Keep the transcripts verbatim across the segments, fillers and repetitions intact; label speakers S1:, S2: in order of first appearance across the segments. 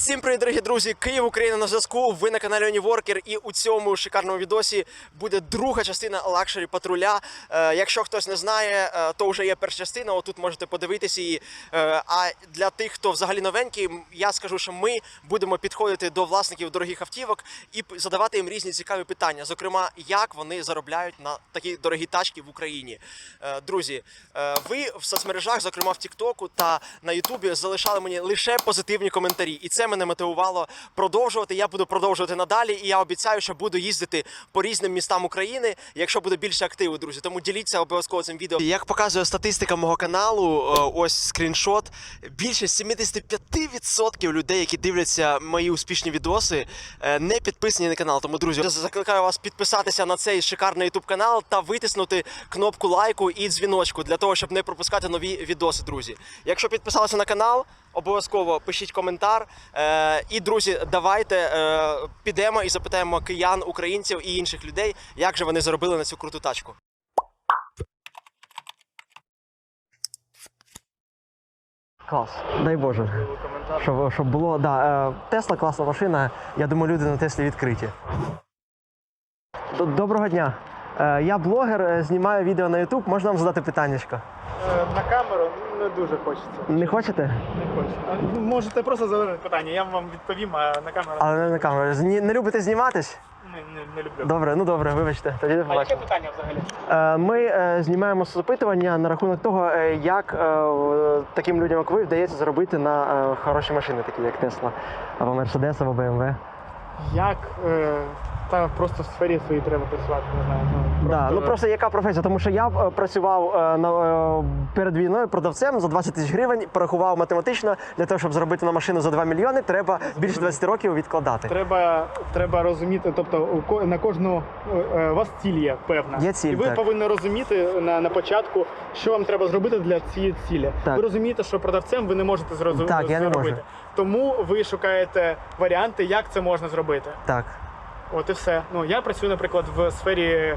S1: Всім привіт, дорогі друзі! Київ, Україна на зв'язку. Ви на каналі Uniworker, і у цьому шикарному відосі буде друга частина лакшері патруля. Е, якщо хтось не знає, е, то вже є перша частина. Отут можете подивитися її. Е, а для тих, хто взагалі новенький, я скажу, що ми будемо підходити до власників дорогих автівок і задавати їм різні цікаві питання. Зокрема, як вони заробляють на такі дорогі тачки в Україні. Е, друзі, е, ви в соцмережах, зокрема в Тіктоку та на Ютубі, залишали мені лише позитивні коментарі. І це мене мотивувало продовжувати. Я буду продовжувати надалі, і я обіцяю, що буду їздити по різним містам України, якщо буде більше активу, друзі. Тому діліться обов'язково цим відео. Як показує статистика мого каналу, ось скріншот, більше сімдесят п'ять відсотків людей, які дивляться мої успішні відоси, не підписані на канал. Тому, друзі, я закликаю вас підписатися на цей шикарний ютуб канал та витиснути кнопку лайку і дзвіночку для того, щоб не пропускати нові відоси, друзі. Якщо підписалися на канал, обов'язково пишіть коментар. Е, і, друзі, давайте е, підемо і запитаємо киян, українців і інших людей, як же вони заробили на цю круту тачку. Клас, дай Боже. Щоб, щоб було, да, Тесла класна машина, я думаю, люди на Теслі відкриті. Доброго дня. Я блогер, знімаю відео на ютуб, можна вам задати питаннячко?
S2: На камеру не дуже хочеться.
S1: Не хочете?
S2: Не хочеться. Можете просто задати питання, я вам відповім, а на камеру...
S1: Але не на камеру. Не, не любите зніматись?
S2: Не, не, не люблю.
S1: Добре, ну добре, вибачте. Тоді не
S2: А яке питання взагалі?
S1: Ми знімаємо запитування на рахунок того, як таким людям, як ви, вдається заробити на хороші машини, такі як Tesla, або Mercedes, або бе ем ве.
S2: Як? Е, та просто в сфері своїй треба працювати, не знаю. Ну, просто...
S1: Да, ну просто яка професія? Тому що я е, працював е, на, е, перед війною продавцем за двадцять тисяч гривень, порахував математично, для того, щоб зробити на машину за два мільйони, треба більше двадцять років відкладати.
S2: Треба, треба розуміти, тобто на кожну, е, у вас ціль є певна.
S1: Є ціль,
S2: і ви
S1: так.
S2: повинні розуміти на, на початку, що вам треба зробити для цієї цілі.
S1: Так.
S2: Ви розумієте, що продавцем ви не можете зрозуміти.
S1: Так, я не можу.
S2: Тому ви шукаєте варіанти, як це можна зробити.
S1: Так.
S2: От і все. Ну, я працюю, наприклад, в сфері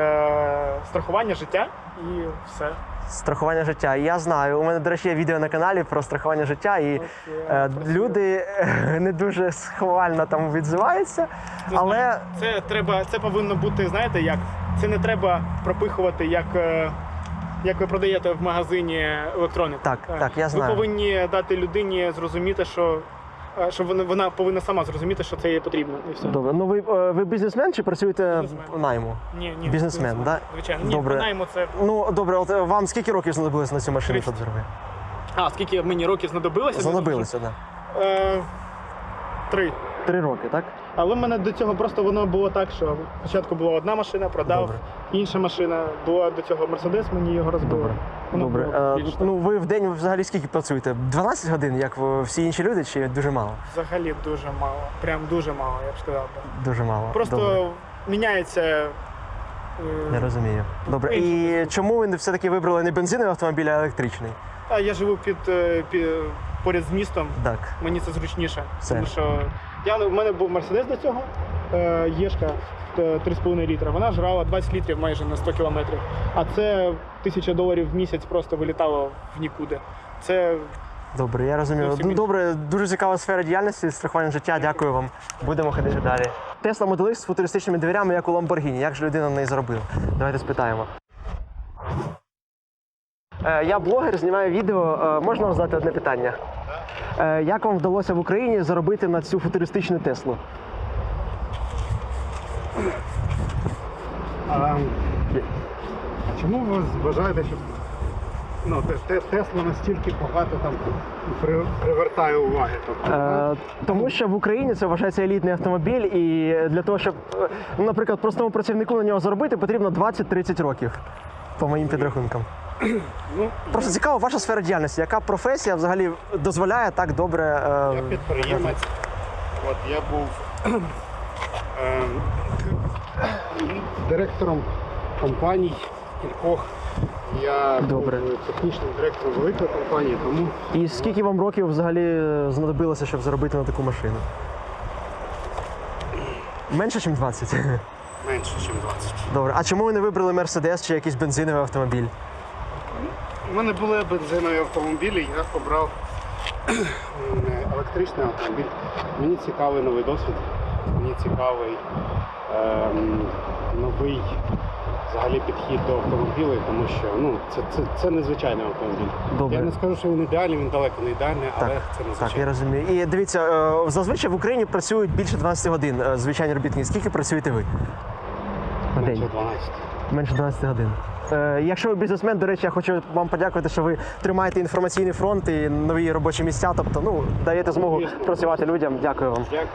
S2: е, страхування життя і все.
S1: Страхування життя. Я знаю. У мене, до речі, є відео на каналі про страхування життя, і
S2: От,
S1: е, люди не дуже схвально там відзиваються,
S2: Це,
S1: але...
S2: Це, треба, це повинно бути, знаєте, як? Це не треба пропихувати, як, як ви продаєте в магазині електронику.
S1: Так, так, я знаю.
S2: Ви повинні дати людині зрозуміти, що Що вона, вона повинна сама зрозуміти, що це їй потрібно, і все.
S1: Добре. Ну ви, ви бізнесмен чи працюєте
S2: Бізнесмен.
S1: в найму?
S2: Ні, ні.
S1: Бізнесмен, так? Да?
S2: Звичайно. Ні,
S1: добре.
S2: в найму це...
S1: Ну, добре, от вам скільки років знадобилося на цю машину,
S2: тридцять.
S1: щоб зробити?
S2: А, скільки мені років знадобилося?
S1: Знадобилося, так. Да.
S2: Е, три.
S1: Три роки, так?
S2: Але в мене до цього просто воно було так, що спочатку була одна машина, продав,
S1: Добре.
S2: інша машина, була до цього Мерседес, мені його розбили.
S1: Добре.
S2: Воно
S1: Добре.
S2: було
S1: Е,
S2: більше.
S1: ну ви в день взагалі скільки працюєте? дванадцять годин, як всі інші люди, чи дуже мало?
S2: Взагалі дуже мало. Прям дуже мало, я б сказав. би.
S1: Дуже мало.
S2: Просто
S1: Добре.
S2: міняється. е,
S1: Я розумію. Добре.
S2: Інший
S1: І
S2: спосіб.
S1: чому ви все-таки вибрали не бензиновий автомобіль, а електричний?
S2: А я живу під, е, під поряд з містом.
S1: Так.
S2: Мені це зручніше.
S1: Все.
S2: Тому що я, у мене був Мерседес до цього, е, Єшка три з половиною літра. Вона жрала двадцять літрів майже на сто кілометрів. А це тисяча доларів в місяць просто вилітало в нікуди. Це
S1: Добре, я розумію.
S2: Зовсім
S1: Ну,
S2: інше.
S1: добре, дуже цікава сфера діяльності, страхування життя. Дякую вам. Будемо ходити далі. Tesla Model X з футуристичними дверями, як у Lamborghini. Як же людина на неї заробила? Давайте спитаємо. Е, Я блогер, знімаю відео. Е, Можна вам задати одне питання? Е, Як вам вдалося в Україні заробити на цю футуристичну Теслу?
S2: А, а чому ви вважаєте, що ну, Тесла настільки багато там при, привертає уваги? Тобто,
S1: Е, тому що в Україні це вважається елітний автомобіль, і для того, щоб, е, ну, наприклад, простому працівнику на нього заробити, потрібно двадцять-тридцять років, по моїм підрахункам.
S2: ну,
S1: Просто цікаво, ваша сфера діяльності. Яка професія взагалі дозволяє так добре... Е,
S3: Я підприємець. От я був е, директором компаній кількох. Я
S1: Добре.
S3: був технічним директором великої компанії, тому
S1: І скільки вам років взагалі знадобилося, щоб заробити на таку машину? Менше, ніж двадцять?
S3: менше, ніж двадцять.
S1: Добре. А чому ви не вибрали Мерседес чи якийсь бензиновий автомобіль?
S3: У мене були бензинові автомобілі, я обрав електричний автомобіль. Мені цікавий новий досвід, мені цікавий ем, новий взагалі підхід до автомобілів, тому що ну, це, це, це незвичайний автомобіль.
S1: Добре.
S3: Я не скажу, що він ідеальний, він далеко не ідеальний, але
S1: Так,
S3: це
S1: так,
S3: незвичайний.
S1: я розумію. І дивіться, е, зазвичай в Україні працюють більше дванадцяти годин е, звичайні робітники. Скільки працюєте ви? На
S3: Менше
S1: день?
S3: дванадцять.
S1: Менше дванадцяти годин. Е, якщо ви бізнесмен, до речі, я хочу вам подякувати, що ви тримаєте інформаційний фронт і нові робочі місця. Тобто, ну, даєте змогу працювати людям. Дякую вам.
S3: Дякую.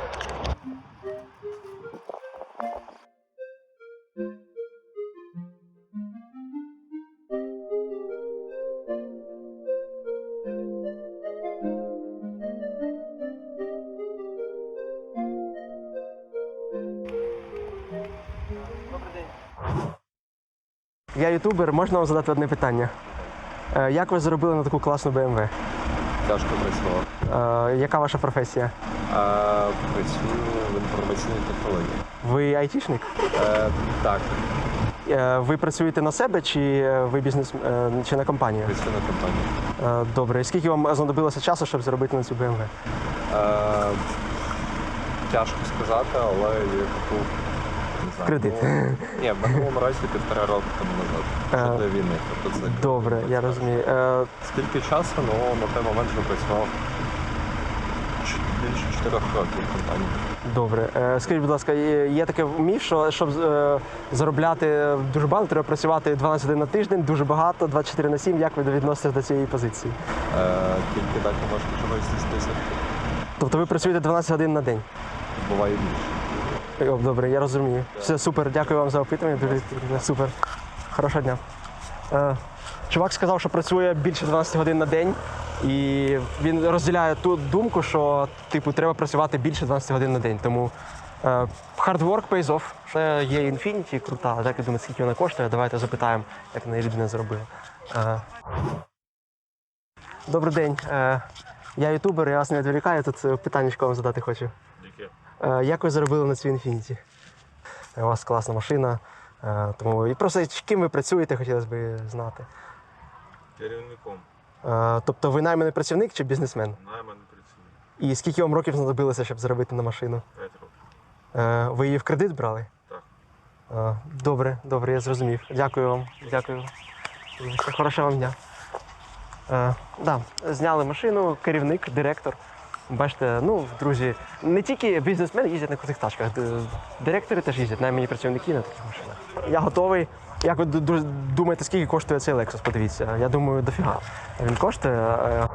S1: Я ютубер, можна вам задати одне питання? Е, як ви заробили на таку класну Б М В?
S4: Тяжко працював.
S1: Е, яка ваша професія?
S4: А працюю в інформаційній технології.
S1: Ви айтішник?
S4: Е, так,
S1: Е, ви працюєте на себе чи е, ви бізнес е, чи на компанію?
S4: працюю на компанії.
S1: Е, добре. І скільки вам знадобилося часу, щоб заробити на цю Б М В?
S4: Е, тяжко сказати, але я купив не знаю,
S1: Кредит.
S4: ну, ні, в минулому році півтора року тому назад. Ще
S1: Е,
S4: до війни. Тобто це
S1: Добре, я розумію. Е,
S4: скільки часу, ну на той момент вже працював ч- більше чотирьох років в компанії.
S1: добре. Е, скажіть, будь ласка, є є таке міф, що щоб е, заробляти дуже багато, треба працювати дванадцять годин на тиждень, дуже багато, двадцять чотири на сім. Як ви відноситесь до цієї позиції?
S4: Е, тільки так ви можете чогось здійснитися.
S1: Тобто ви працюєте дванадцять годин на день?
S4: Буває і більше.
S1: О, добре, я розумію. Все супер, дякую вам за опитування. Дуже супер. Хорошого дня. Е, чувак сказав, що працює більше дванадцять годин на день, і він розділяє ту думку, що типу треба працювати більше дванадцять годин на день. Тому е, hard work pays off. Це є Infiniti, крута. Так я думаю, скільки вона коштує. Давайте запитаємо, як неї людина зробила. Е, добрий день. Е, я ютубер, я вас не відволікаю, тут питання вам задати хочу. Е, Як ви заробили на цю Infiniti? У вас класна машина. е, Тому і просто ким ви працюєте, хотілося б знати.
S5: Керівником
S1: Е, Тобто ви найманий працівник чи бізнесмен?
S5: найманий працівник.
S1: І скільки вам років знадобилося, щоб заробити на машину?
S5: п'ять років.
S1: Е, Ви її в кредит брали?
S5: Так.
S1: Е, Добре, добре, я зрозумів. Дякую вам. Дякую. Хорошого вам дня. Е, да, зняли машину, керівник, директор. Бачите, ну, друзі, не тільки бізнесмени їздять на крутих тачках, д- директори теж їздять, наймані працівники на таких машинах. Я готовий. Як ви ду- ду- думаєте, скільки коштує цей Lexus? Подивіться. Я думаю, дофіга. Він коштує. е,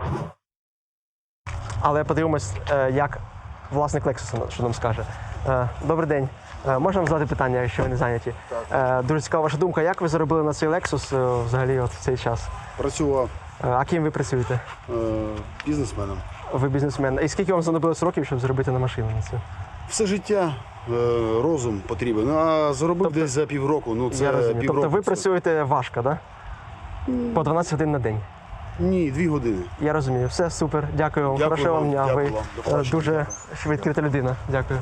S1: Але подивимось, е, як власник Lexus що нам скаже. Е, Добрий день. Е, Можна вам задати питання, якщо ви не зайняті? Е, Дуже цікава ваша думка. Як ви заробили на цей Lexus е, взагалі от в цей час?
S6: Працював
S1: Е, А ким ви працюєте?
S6: е, бізнесменом.
S1: Ви бізнесмен. І скільки вам знадобилось років, щоб зробити на машину на цю?
S6: Все життя е, розум потрібен. Ну, а заробив
S1: Тобто-
S6: десь за півроку. Ну це
S1: Я розумію.
S6: півроку.
S1: Тобто ви
S6: це-
S1: працюєте важко, так? Да? По дванадцять годин на день.
S6: Ні, дві години.
S1: Я розумію. Все супер. Дякую вам.
S6: Дякую
S1: Хорошого вам
S6: вам.
S1: дня.
S6: Дякую
S1: Ви
S6: вам. До
S1: е,
S6: побачення.
S1: дуже
S6: Дякую.
S1: відкрита людина. Дякую.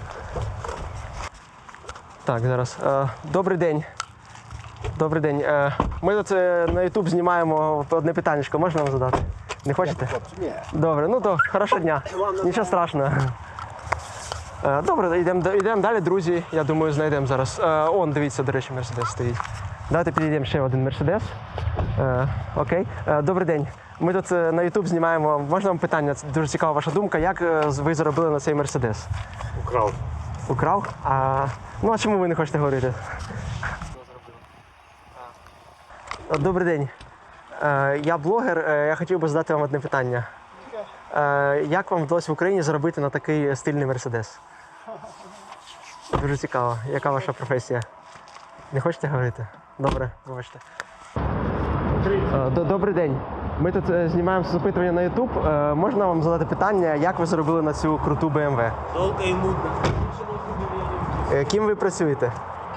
S1: Так, зараз. Е, Добрий день. Добрий день. Е, Ми тут е, на YouTube знімаємо одне питаннячко. Можна вам задати? Не хочете?
S6: Ні.
S1: Добре, ну то хорошого дня. Нічого страшного. Е, Добре, йдемо йдемо далі, друзі. Я думаю, знайдемо зараз. Е, Он, дивіться, до речі, Мерседес стоїть. Давайте підійдемо ще один Мерседес. Е, Окей. Е, Добрий день. Ми тут е, на YouTube знімаємо. Можна вам питання? Це дуже цікава ваша думка. Як е, ви заробили на цей Мерседес?
S3: Украв.
S1: Украв? А, ну а чому ви не хочете говорити? Добрий день. Е, Я блогер. Е, Я хотів би задати вам одне питання. Е, Як вам вдалося в Україні заробити на такий стильний Мерседес? Дуже цікаво. Яка ваша професія? Не хочете говорити? Добре, вибачте. Е, д- Добрий день. Ми тут е, знімаємо запитування на YouTube. Е, Можна вам задати питання, як ви заробили на цю круту Б М В?
S7: Долго и нудно.
S1: Е, Ким ви працюєте?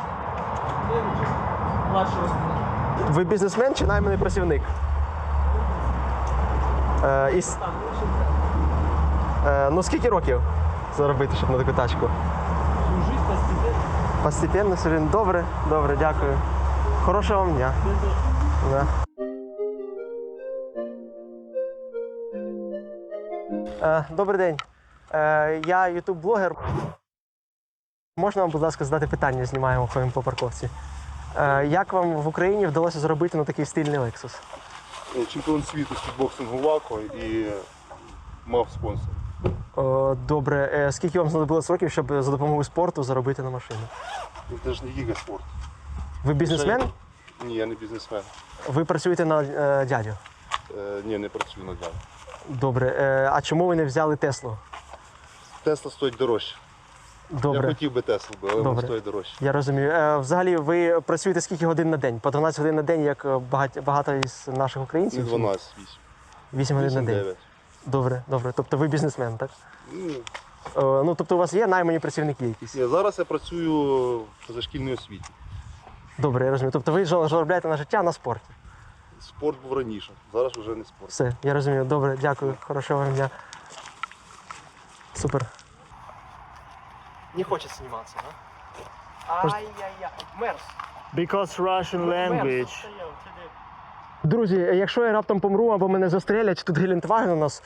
S7: Младшего.
S1: Ви бізнесмен чи найманий працівник? Е, і с- е, ну скільки років заробити, щоб на таку тачку?
S7: Всю жизнь постепенно.
S1: Постепенно, все рівно. Добре, добре, дякую. Хорошого вам дня. Да. Е, Добрий день. Е, я ютуб-блогер. Можна вам, будь ласка, задати питання, знімаємо, ходимо по парковці. Е, як вам в Україні вдалося зробити на такий стильний Lexus?
S8: Чемпіон світу з кікбоксингу ВАКО і мав спонсор.
S1: О, добре. Е, скільки вам знадобилось років, щоб за допомогою спорту заробити на машину?
S8: Це ж не гігаспорт.
S1: Ви бізнесмен?
S8: Ні, я не бізнесмен.
S1: Ви працюєте на е, дядю?
S8: Е, ні, не працюю на далі.
S1: Добре. Е, а чому ви не взяли Теслу?
S8: Тесла стоїть дорожче.
S1: Добре.
S8: Я хотів би Теслу, але
S1: Добре.
S8: воно стоїть дорожче.
S1: Я розумію. Е, взагалі, ви працюєте скільки годин на день? По дванадцять годин на день, як багато, багато із наших
S8: Не
S1: українців?
S8: дванадцять, вісім.
S1: вісім годин на
S8: вісім,
S1: день.
S8: дев'ять.
S1: Добре, добре. Тобто ви бізнесмен, так?
S8: Ну,
S1: Е, ну, тобто у вас є наймані працівники якісь?
S8: ні, зараз я працюю в позашкільній освіті.
S1: Добре, я розумію. Тобто ви жа- заробляєте на життя на спорті?
S8: Спорт був раніше, зараз вже не спорт.
S1: Все, я розумію. Добре, дякую. Хорошого вам дня. Супер. Не хоче зніматися, так? Ай-яй-яй. Мерс.
S2: Because Russian language.
S1: Друзі, якщо я раптом помру або мене застрелять, тут Гелендваген у нас.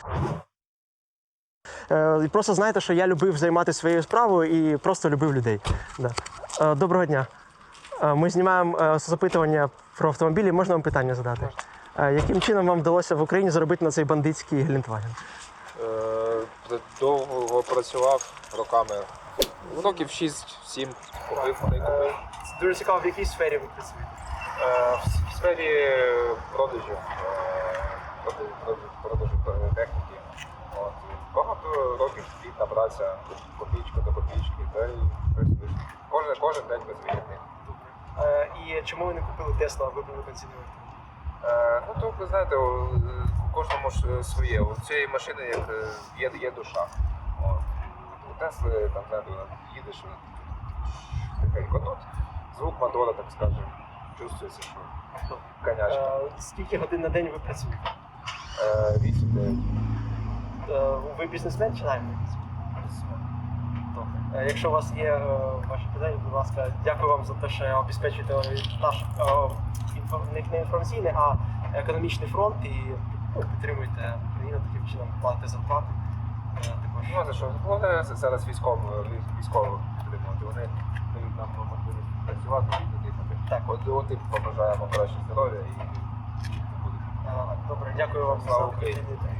S1: Е, і просто знайте, що я любив займатися своєю справою і просто любив людей. Да. Е, доброго дня. Е, ми знімаємо е, запитування про автомобілі. Можна вам питання задати? Е, яким чином вам вдалося в Україні заробити на цей бандитський Гелендваген?
S9: Е, Довго працював роками. Років шість-сім купив, та й купив.
S1: Дуже цікаво, в якій сфері ви працюєте?
S9: Е, В сфері продажів, е, продажу, продажу, продажу техніки. От. Багато років спільна праця, копійка до копійки, та й щось вийшло. Кожен, кожен день без вихідних.
S1: Е, і чому ви не купили Теслу, а вибрали бензиновий?
S9: Е, Ну, то ви знаєте, у у кожному ж е, своє. У цієї машини як е, є, є душа. От. У Тесли там знаєте, їдеш е, тихенько. Ну, звук мотора, так скажемо, чувствується, що конячка.
S1: Е, скільки годин на день ви працюєте?
S9: Е, вісім-дев'ять.
S1: Е, ви бізнесмен чи найманий? Добре. Е, Якщо у вас є е, ваші питання, будь ласка, дякую вам за те, що обезпечуєте наш е, інфо- не- не інформаційний, а економічний фронт і ну, підтримуєте країну таким чином, платите зарплати. Е, Також.
S9: Ну, за що? Головне зараз військово, військово підтримувати. Вони дають нам можливість працювати і дихати.
S1: Так.
S9: От, от і побажаємо краще здоров'я і не буде.
S1: Е, Добре, дякую вам
S9: Слава
S1: за
S9: Україні.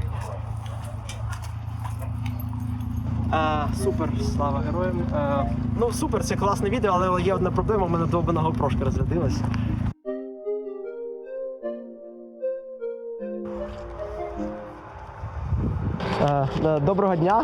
S1: А, супер, слава героям. А, ну супер, це класне відео, але є одна проблема, у мене довбана гопрошка розрядилась. А, е, доброго дня.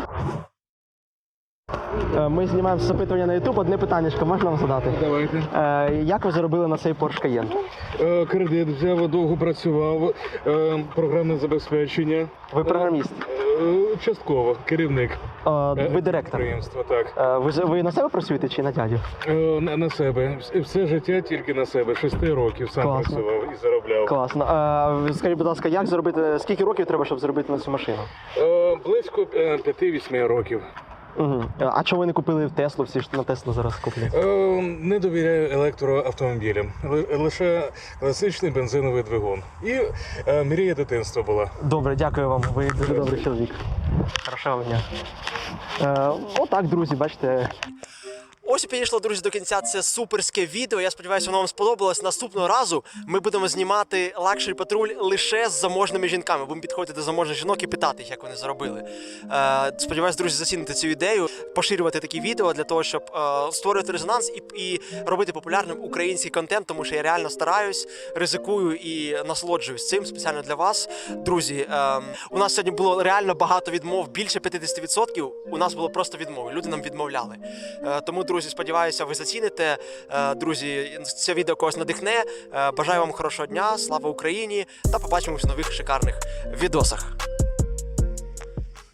S1: Е, Ми знімаємо запитування на YouTube. Одне питаннячко можна вам задати?
S10: Давайте.
S1: Е, Як ви заробили на цей Porsche Cayenne?
S10: Е, Кредит взяв, довго працював, е, програмне забезпечення.
S1: Ви програміст?
S10: Е, Частково, керівник.
S1: Е, Ви директор?
S10: Підприємства, так.
S1: Е, Ви, з- ви на себе працюєте чи на дядю?
S10: Е, На, на себе. Вс- Все життя тільки на себе. Шести років сам
S1: Класно.
S10: працював і заробляв.
S1: Класно. Е, Скажіть, будь ласка, як зробити, скільки років треба, щоб зробити на цю машину?
S10: Е, Близько е, п'яти-вісьми років.
S1: Угу. А чого ви не купили в Теслу? Всі ж на Теслу зараз куплять.
S10: Е, Не довіряю електроавтомобілям. Ли- Лише класичний бензиновий двигун. І е, мрія дитинства була.
S1: Добре, дякую вам. Ви дуже добрий чоловік. Хорошого дня. Е, отак, друзі, бачите. Ось і підійшло, друзі, до кінця це суперське відео. Я сподіваюся, воно вам сподобалось. Наступного разу ми будемо знімати лакшері патруль лише з заможними жінками. Будемо підходити до заможних жінок і питати їх, як вони заробили. Е, сподіваюсь, друзі, зацінити цю ідею, поширювати такі відео для того, щоб е, створювати резонанс і, і робити популярним український контент, тому що я реально стараюсь, ризикую і насолоджуюсь цим спеціально для вас. Друзі, е, у нас сьогодні було реально багато відмов, більше п'ятдесят відсотків у нас було просто відмови. Люди нам відмовляли. Е, тому, друзі, сподіваюся, ви заціните. Е, Друзі, це відео когось надихне. Е, Бажаю вам хорошого дня, слава Україні та побачимось в нових шикарних відосах.